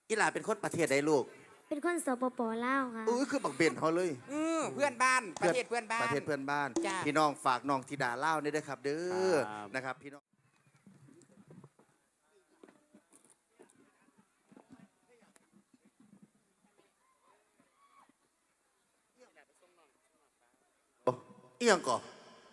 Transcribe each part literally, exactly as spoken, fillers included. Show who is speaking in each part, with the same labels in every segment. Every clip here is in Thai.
Speaker 1: อีหลาเป็นคนประเทศใดลูก
Speaker 2: เป็นคนสปปลาวค่ะ
Speaker 1: อุ้ยคือบักเบนเขาเลย
Speaker 3: อือเพื่อนบ้านประเทศเพื่อนบ้าน
Speaker 1: ประเทศเพื่อนบ้าน
Speaker 3: จ้ะ
Speaker 1: พี่น้องฝากน้องธิดาเล่าวนี่ด้วยครับเด้อนะครับพี่น้องอีหยังก่อ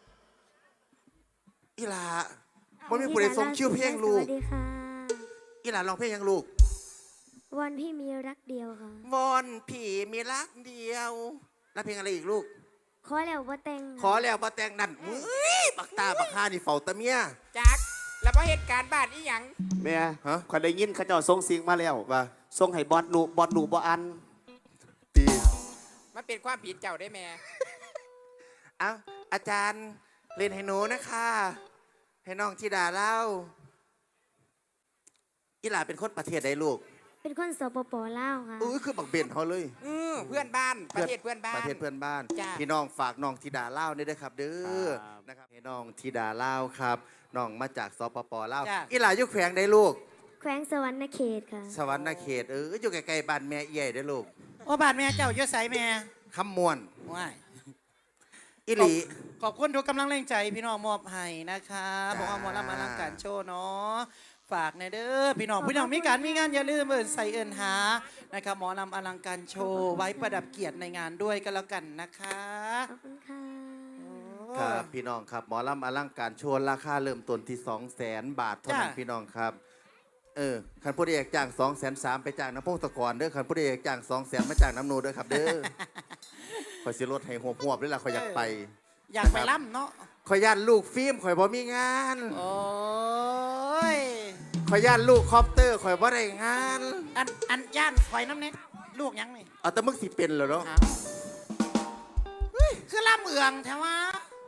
Speaker 1: อีหลาบ่มีผู้ใดส่งคิวเพลงลูก
Speaker 2: สวัสดีค่ะ
Speaker 1: อีหลาร้องเพลงยังลูก
Speaker 2: วันพี่มีรักเดียวค่ะ
Speaker 1: วอนพี่มีรักเดียวแล้วเพลงอะไรอีกลูก
Speaker 2: ขอแล้วว่าแต่ง
Speaker 1: ขอแล้วบ่แต่งนั่นมึยบักตาบักฮานี่เฝ้าตะเมีย
Speaker 3: จักแล้วพอเหตุการณ์บ้านอีหยัง
Speaker 4: แม่ฮะขอยได้ยินเขาเจ้าส่งสิ่งมาแล้วว่าส่งให้บอสหนูบอสหนูบ่อัน
Speaker 1: ตี
Speaker 3: มันเป็นความผิดเจ้าได้แม่
Speaker 1: เอ้าอาจารย์เล่นให้หนูนะคะให้น้องธิดาเล่าอีหลาเป็นคนประเทศใดลูก
Speaker 2: เป็นคนสปปลาวค่ะ
Speaker 1: อุ้ยคือบักเบนเขาเลย
Speaker 3: อือเพื่อนบ้านประเทศเพื่อนบ้าน
Speaker 1: ประเทศเพื่อนบ้าน
Speaker 3: จ้ะ
Speaker 1: พี่น้องฝากน้องธิดาเล่านี่ด้วยครับเด้อนะครับให้น้องธิดาเล่าครับน้องมาจากสปปลาวอีหลาอยู่แขวงใดลูก
Speaker 2: แขวงสวรรณเขตค่ะ
Speaker 1: สวรรณเขตเอออยู่ใกล้ๆบ้านแม่เอี่ยได้ลูก
Speaker 5: โอ้บาดแม่เจ้าเยอะใสแม่
Speaker 1: คำมวน
Speaker 5: ว้าย
Speaker 1: อิลี
Speaker 5: ขอบคุณทุกกำลังแรงใจพี่น้องมอบให้นะคะบอกว่าหมอลำอลังการโชว์เนาะฝากในเด้อพี่น้องพี่น้องมีการมีงานอย่าลืมเอินใส่เอินหานะครับหมอลำอลังการโชว์ไว้ประดับเกียรติในงานด้วยก็แล้วกันนะคะ
Speaker 2: ขอบคุณค่ะ
Speaker 1: ครับพี่น้องครับหมอลำอลังการโชว์ราคาเริ่มต้นที่สองแสนบาทเท่านั้นพี่น้องครับเออคันผู้ใดอยากจ้างสองแสนสามไปจ้างน้ำพงศกรเด้อคันผู้ใดอยากจ้างสองแสนมาจ้างน้ำนูเด้อครับเด้อคอยสิรถให้หัวหัวด้วยล่ะคอยอยากไป
Speaker 5: อยากไปล่ำเนาะ
Speaker 1: คอยย่านลูกฟิล์มคอยบ่มีงาน
Speaker 5: โอ้ย
Speaker 1: คอยย่านลูกคอปเตอร์คอยบ่ได้งาน
Speaker 5: อันอันย่านคอยน้ำเน็ตลูกยังนี่
Speaker 1: เอาแต่มึกสิเป็นเหรอเนาะ
Speaker 5: คือล่ำเอืองแถวว่า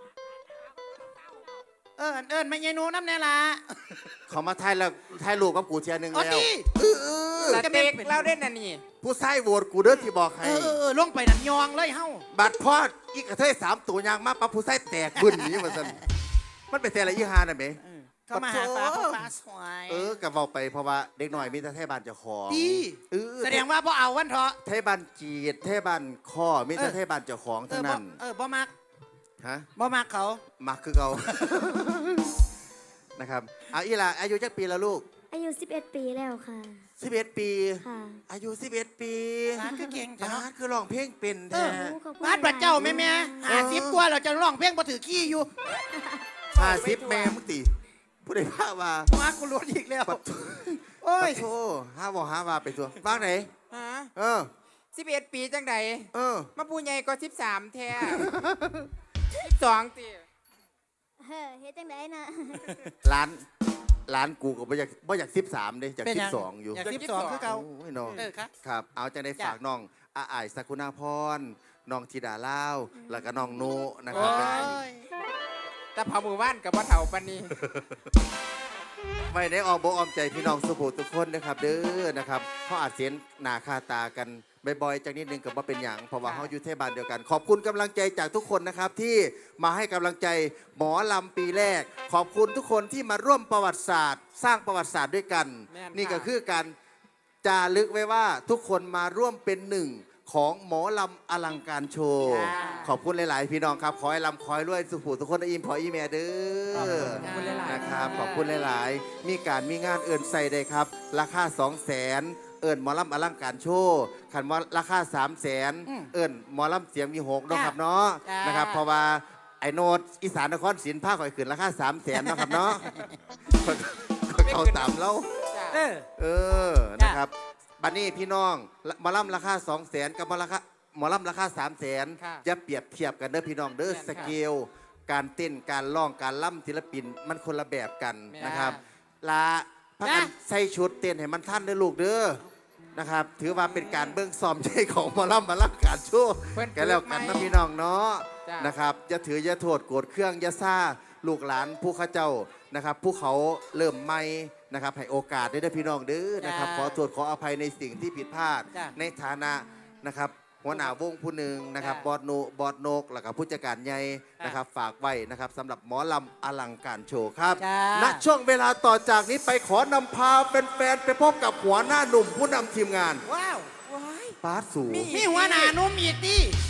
Speaker 5: เออเอิญไม่ยายนูน้ำแน่ละ
Speaker 1: เขามาไทยแล้วไทยลูกกับกูเทียนึงแล้ว
Speaker 3: สเต็กเล่าเด่นน่ะนี่
Speaker 1: ผู้ชายโหวตกูเด้อที่บอกให้
Speaker 5: เออเออลงไปนั่นยองเลยเฮ้า
Speaker 1: บัดพอดอีกกระเทยสามตัวยางมาปั๊บผู้ชายแตกบึ้นนี้มาสั่นมันเป็นแต่ละยี่ห้าน่ะเม
Speaker 5: ก็มาหาฟ้าฟ้าสวย
Speaker 1: เออกับเว้าไปเพราะว่าเด็กหน่อยมีแต่ไทยบ้านเจ้าของ
Speaker 5: ดีแสดงว่าพ่อเอาวันเถอะ
Speaker 1: ไทยบ้านจีดไทยบ้านข้อมีแต่ไทยบ้านเจ้าของทั้งนั้น
Speaker 5: เออบ่มัก
Speaker 1: ฮะ
Speaker 5: บ่มักเขา
Speaker 1: มักคือเขานะครับเอาอีหล่ะอายุจักปีแล้วลูก
Speaker 2: อายุสิบเอ็ดปีแล้วค่ะ
Speaker 1: สิบเอ็ดปี
Speaker 2: ค่ะ
Speaker 1: อายุสิบเอ็ดปี
Speaker 5: บ้านคือเก่ง
Speaker 1: บ้านคือร้องเพลงเป็นแท้
Speaker 5: บ้านพระเจ้าแม่แม่หาสิบกว่าเราจะร้องเพลงพอถือขี้อยู่
Speaker 1: ห้าสิบแม่มึงตีผู้ใดพาว่า
Speaker 5: มากูรู้อีกแล้ว
Speaker 1: โอ้ยโธ่ห้าบอกห้าว่าไปตัวบ้านไหน
Speaker 3: ฮะ
Speaker 1: เออ
Speaker 3: สิบเอ็ดปีจังใด
Speaker 1: เออ
Speaker 3: มาปูใหญ่ก็สิบสามแท้สิบสองตี
Speaker 2: เฮ้เฮ็ดจังไดนะ
Speaker 1: ร้านร้านกูก็บ่อยากบ่อยากสิบสามเลยจากสิบสองอยู่
Speaker 5: อยากสิบสองคือเก่า
Speaker 1: โอ้ยน้องครับเอาจะได้ฝากน้องอาไอสักุณาพรน้องธิดาเล่าแล้วก็น้องโนนะครับ
Speaker 3: แต่พามือว่านกับว่าเถ่าปันนี้
Speaker 1: ไม่ได้ออกบอกออมใจพี่น้องสุภูทุกคนนะครับเด้อนะครับเขาอาจเสียนหนาคาตากันบ่อยๆจากนิดนึงกับว่าเป็นอย่างเพราะว่าเขาอยู่เทศบาลเดียวกันขอบคุณกำลังใจจากทุกคนนะครับที่มาให้กำลังใจหมอลำปีแรกขอบคุณทุกคนที่มาร่วมประวัติศาสตร์ สร้างประวัติศาสตร์ด้วยกันนี่ก็คือการจารึกไว้ว่าทุกคนมาร่วมเป็นหนึ่งของหมอลำอลังการโชว์ขอบคุณหลายๆพี่น้องครับขอให้ลำคอยรวยสุภูทุกคนอิ่มพออีเมเด้อนะครับขอบคุณหลายๆมีการมีงานเอื่นใส่ได้ครับราคาสองแสนเอิญหมอลำอลังการโชว์ขันว่าราคาสามแสนเอิญหมอลำเสียงมีหกนะครับเนาะนะครับเพราะว่าไอโนดอีสานนครศรีผ้าข่อยขืนราคาสามแสนนะครับเนาะเขาตามเราเออนะครับบัดนี้พี่น้องหมอลำราคาสองแสนกับหมอลำราคาหมอลำราคาสามแสนจะเปรียบเทียบกันเด้อพี่น้องเด้อสเกลการเต้นการร้องการล่ำศิลปินมันคนละแบบกันนะครับลาพักกันใส่ชุดเต้นให้มันท่านเด้อลูกเด้อนะครับถือว่าเป็นการเบิ้งซ้อมใจของหมอลำมาลังการโชว์กันแล้วกันนะพี่น้องเนาะนะครับอย่าถืออย่าโทษโกรธเครื่องอย่าซ่าลูกหลานผู้ข้าเจ้านะครับผู้เขาเริ่มใหม่นะครับให้โอกาสได้ด้วยพี่น้องเด้อนะครับขอโทษขออภัยในสิ่งที่ผิดพลาดในฐานะนะครับหัวหน้าวงผู้หนึ่งนะครับ
Speaker 5: จ้ะ
Speaker 1: บอดโนบอดโนกแล้วก็ผู้จัดการใหญ่นะครับฝากไว้นะครับสำหรับหมอลำอลังการโชว์ครับ
Speaker 5: จ้า
Speaker 1: ณช่วงเวลาต่อจากนี้ไปขอนำพาเป็นแฟนๆไปพบกับหัวหน้าหนุ่มผู้นำทีมงาน
Speaker 5: ว้าว
Speaker 3: ว้าย
Speaker 1: ปาร์ตสู
Speaker 3: มี
Speaker 5: มีหัวหน้าหนุ่มอีกดิ